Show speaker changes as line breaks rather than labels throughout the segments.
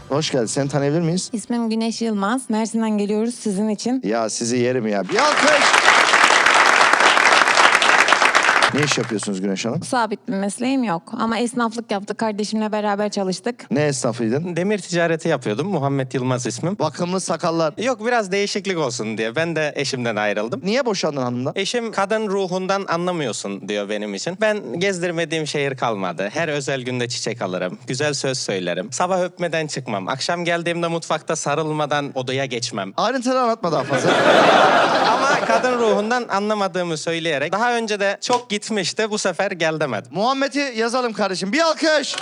Hoş geldin. Seni tanıyabilir miyiz?
İsmim Güneş Yılmaz. Mersin'den geliyoruz sizin için.
Ya sizi yerim ya. Bir alkış. Ne iş yapıyorsunuz Güneş Hanım?
Sabit bir mesleğim yok ama esnaflık yaptık. Kardeşimle beraber çalıştık.
Ne esnafıydın?
Demir ticareti yapıyordum. Muhammed Yılmaz ismim.
Bakımlı sakallar.
Yok biraz değişiklik olsun diye. Ben de eşimden ayrıldım.
Niye boşandın hanımdan?
Eşim kadın ruhundan anlamıyorsun diyor benim için. Ben gezdirmediğim şehir kalmadı. Her özel günde çiçek alırım. Güzel söz söylerim. Sabah öpmeden çıkmam. Akşam geldiğimde mutfakta sarılmadan odaya geçmem.
Ayrıntıları anlatma daha fazla.
Ama kadın ruhundan anlamadığımı söyleyerek daha önce de çok gitmişti. Bu sefer gel demedim.
Muhammed'i yazalım kardeşim. Bir alkış.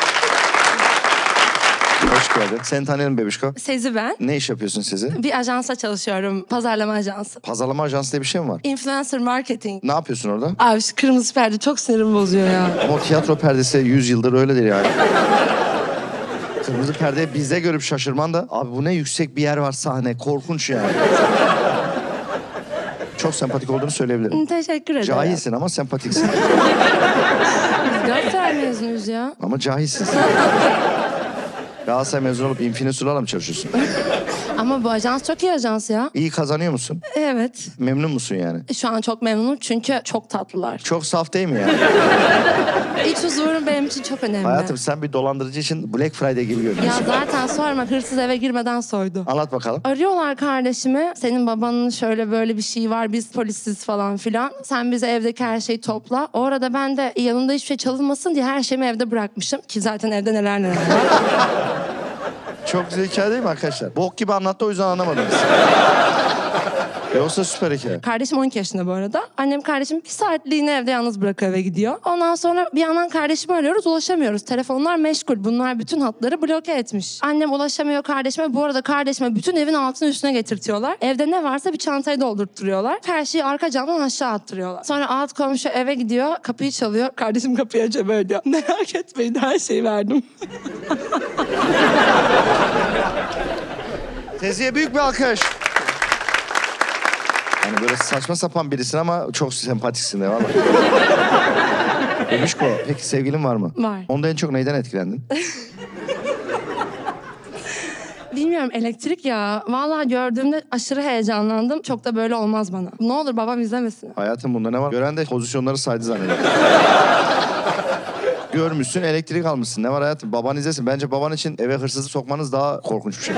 Hoş geldin. Seni tanıyalım bebişko.
Sezi ben.
Ne iş yapıyorsun Sezi?
Bir ajansa çalışıyorum. Pazarlama ajansı.
Pazarlama ajansı diye bir şey mi var?
Influencer marketing.
Ne yapıyorsun orada?
Abi şu kırmızı perde çok sinirimi bozuyor ya.
Ama o tiyatro perdesi 100 yıldır öyledir yani. Kırmızı perdeye bizde görüp şaşırman da... Abi bu ne yüksek bir yer var sahne. Korkunç yani. Çok sempatik olduğunu söyleyebilirim.
Teşekkür ederim.
Cahilsin ama sempatiksin.
Biz Galatasaray mezunuyuz ya.
Ama cahilsin. Galatasaray mezun olup Infinisular'la mı çalışıyorsun?
Ama bu ajans çok iyi ajans ya.
İyi kazanıyor musun?
Evet.
Memnun musun yani?
Şu an çok memnunum çünkü çok tatlılar.
Çok saf değil mi yani?
İç huzurum benim için çok önemli.
Hayatım sen bir dolandırıcı için Black Friday gibi
Ya
görünüyorsun.
zaten sorma, hırsız eve girmeden soydu.
Anlat bakalım.
Arıyorlar kardeşimi. Senin babanın şöyle böyle bir şey var. Biz polisiz falan filan. Sen bize evdeki her şeyi topla. O arada ben de yanımda hiçbir şey çalınmasın diye her şeyimi evde bırakmışım. Ki zaten evde neler neler var.
Çok güzel hikaye değil mi arkadaşlar? Bok gibi anlattı o yüzden anlamadınız. Yoksa süper hikaye.
Kardeşim 12 yaşında bu arada. Annem kardeşim bir saatliğine evde yalnız bırakıyor, eve gidiyor. Ondan sonra bir yandan kardeşimi arıyoruz, ulaşamıyoruz. Telefonlar meşgul. Bunlar bütün hatları bloke etmiş. Annem ulaşamıyor kardeşime. Bu arada kardeşime bütün evin altını üstüne getirtiyorlar. Evde ne varsa bir çantayı doldurtturuyorlar. Her şeyi arka camdan aşağı attırıyorlar. Sonra alt komşu eve gidiyor, kapıyı çalıyor. Kardeşim kapıyı açıyor böyle diyor. Merak etmeyin, her şeyi verdim.
Teziye büyük bir alkış. Hani böyle saçma sapan birisin ama çok sempatiksin de valla. Bebişko, peki sevgilin var mı?
Var.
Onda en çok neyden etkilendin?
Bilmiyorum, elektrik ya. Vallahi gördüğümde aşırı heyecanlandım. Çok da böyle olmaz bana. Ne olur babam izlemesin.
Hayatım bunda ne var? Gören de pozisyonları saydı zanneder. Görmüşsün, elektrik almışsın. Ne var hayatım? Baban izlesin. Bence baban için eve hırsızı sokmanız daha korkunç bir şey.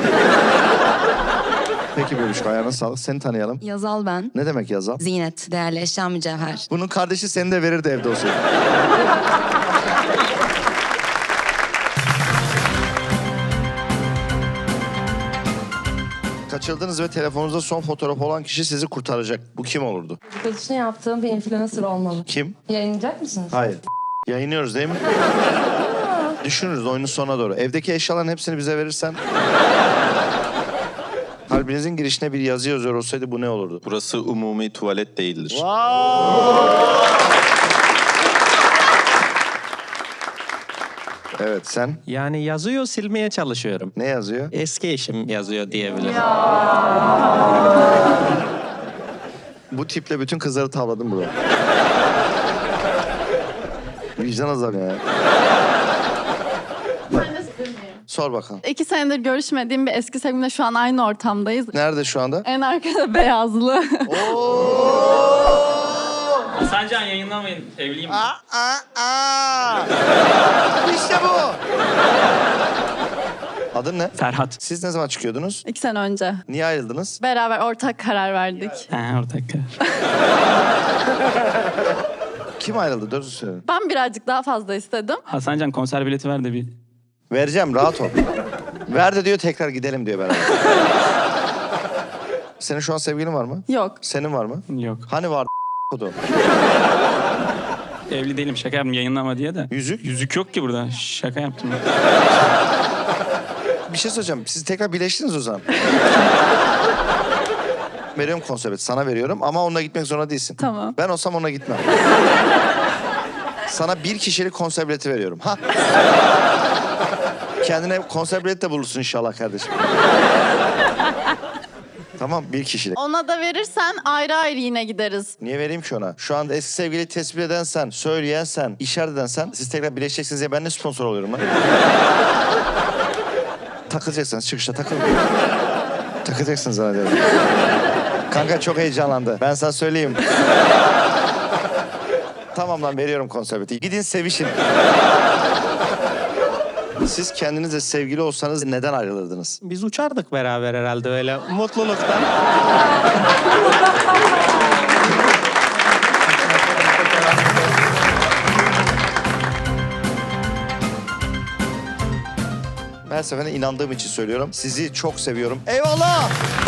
Peki bebişko, ayağına sağlık. Seni tanıyalım.
Yazal ben.
Ne demek yazal?
Zinet, değerli eşya, mücevher.
Bunun kardeşi seni de verirdi evde olsaydı. Kaçırdınız ve telefonunuzda son fotoğraf olan kişi sizi kurtaracak. Bu kim olurdu?
Dedikodusu yaptığım bir influencer olmalı.
Kim?
Yayınlayacak mısınız?
Hayır. Yayınlıyoruz değil mi? Düşünürüz oyunun sonuna doğru. Evdeki eşyaların hepsini bize verirsen... Kalbinizin girişine bir yazı yazıyor olsaydı bu ne olurdu?
Burası umumi tuvalet değildir.
Evet, sen
Yani yazıyor, silmeye çalışıyorum.
ne yazıyor?
Eski eşim yazıyor diyebilirim.
Bu tiple bütün kızları tavladım burada. Vicdan azabı ya. Sor bakalım.
2 senedir görüşmediğim bir eski sevgilimle şu an aynı ortamdayız.
Nerede şu anda?
En arkada beyazlı.
Sancan yayınlamayın, evliyim.
İşte bu. Adın ne?
Ferhat.
Siz ne zaman çıkıyordunuz?
2 sene önce.
Niye ayrıldınız?
Beraber ortak karar verdik.
Ortak.
Kim ayrıldı? Doğru söyle.
Ben birazcık daha fazla istedim.
Hasancan konser bileti ver de bir.
Vereceğim, rahat ol. Ver de diyor, tekrar gidelim diyor beraber. Senin şu an sevgilin var mı?
Yok.
Senin var mı?
Yok.
Hani vardı o?
Evli değilim, şaka yaptım yayınlama diye de.
Yüzük?
Yüzük yok ki burada, şaka yaptım.
Bir şey söyleyeceğim. Siz tekrar birleştiniz o zaman. Veriyorum konsepti. Sana veriyorum ama onunla gitmek zorunda değilsin.
Tamam.
Ben olsam ona gitmem. Sana 1 kişilik konser bileti veriyorum. Ha? Kendine konser bileti de bulursun inşallah kardeşim. Tamam, 1 kişilik.
Ona da verirsen ayrı ayrı yine gideriz.
Niye vereyim ki ona? Şu anda eski sevgiliyi tespit eden sen, söyleyen sen, işaret eden sen. Siz tekrar birleşeceksiniz diye ben ne sponsor oluyorum lan? Takılacaksınız çıkışta takılın. Takılacaksınız zannediyorum. Kanka çok heyecanlandı. Ben sana söyleyeyim. Tamam lan veriyorum konservatifi. Gidin sevişin. Siz kendinizle sevgili olsanız neden ayrılırdınız?
Biz uçardık beraber herhalde öyle mutluluktan.
Her seferinde inandığım için söylüyorum. Sizi çok seviyorum. Eyvallah!